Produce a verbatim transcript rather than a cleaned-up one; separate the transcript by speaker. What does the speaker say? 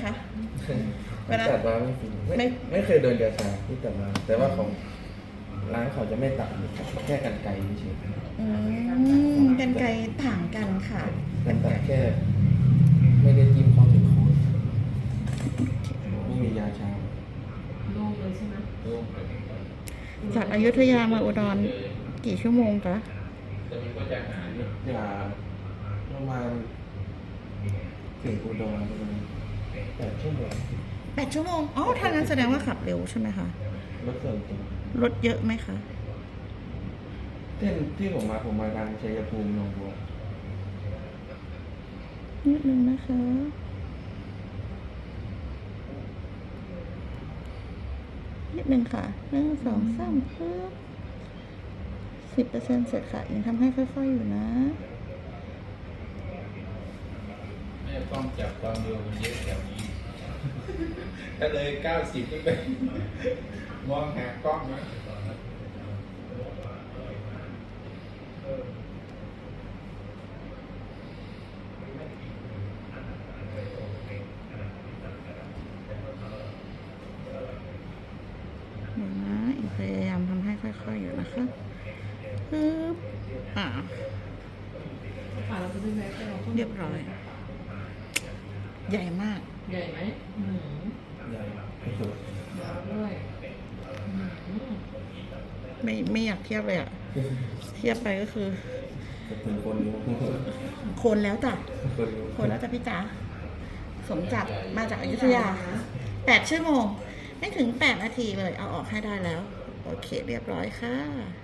Speaker 1: คะเวลา
Speaker 2: ตัดมาไม่ฟรีไม่
Speaker 1: ไม่
Speaker 2: ไม่เคยโดนยาชาที่ตัดมาแต่ว่าของร้านเขาจะไม่ตัดแค่กันไกลเฉย
Speaker 1: อืมกันไกรต่างกันค่ะ
Speaker 2: ๆกันตัดแค่ไม่ได้จิ้มเข้าถึงโคนไม่มียาชา
Speaker 3: โล่งเลยใช่ไหม
Speaker 2: โล่ง
Speaker 1: จากอยุธยามาอุดรกี่ชั่วโมงคะ
Speaker 2: ยาประมาณถึงอุดรประมาณแปดชั่วโมง
Speaker 1: แปดชั่วโมงอ๋อถ้างั้นแสดงว่าขับเร็วใช่ไหมคะ
Speaker 2: รถส่วนตัว
Speaker 1: รถเยอะไหมคะ
Speaker 2: เส้นที่ผมมาผมมาทางชัยภูมิหนองบัว
Speaker 1: นิดนึงนะคะนิดนึงค่ะหนึ่งสองสามเพิ่มสิบเปอร์เซ็นต์เสร็จค่ะยังทำให้ค่อยๆอยู่นะ
Speaker 4: ไม่ต้องจับความเร็วมันเยอะแบบนี้ ถ้าเลยเก้าสิบขึ้นไป มองหากล้องนะ
Speaker 1: เดี๋ยวนะอีกพยายามทำให้ค่อยๆอยู่นะคะปึ๊บอ่า
Speaker 3: ผ่านเราจะได้แวะไปเรา
Speaker 1: เรียบร้อย ใหญ่มาก
Speaker 3: ใหญ่ไหมอืม
Speaker 2: ใหญ่ที่สุด
Speaker 3: ยาวด้วยอืม
Speaker 1: ไม่ไม่อยากเทียบเลยอะเทียบไปก็คือ
Speaker 2: จะถึงคนนี้
Speaker 1: โคนแล้วจ้ะ
Speaker 2: คนนี้
Speaker 1: โคนแล้วจ้ะพี่จ๋าสมจักรมาจากอยุธยาแปดชั่วโมง ไม่ถึงแปดนาทีเลย เอาออกให้ได้แล้ว โอเค เรียบร้อยค่ะ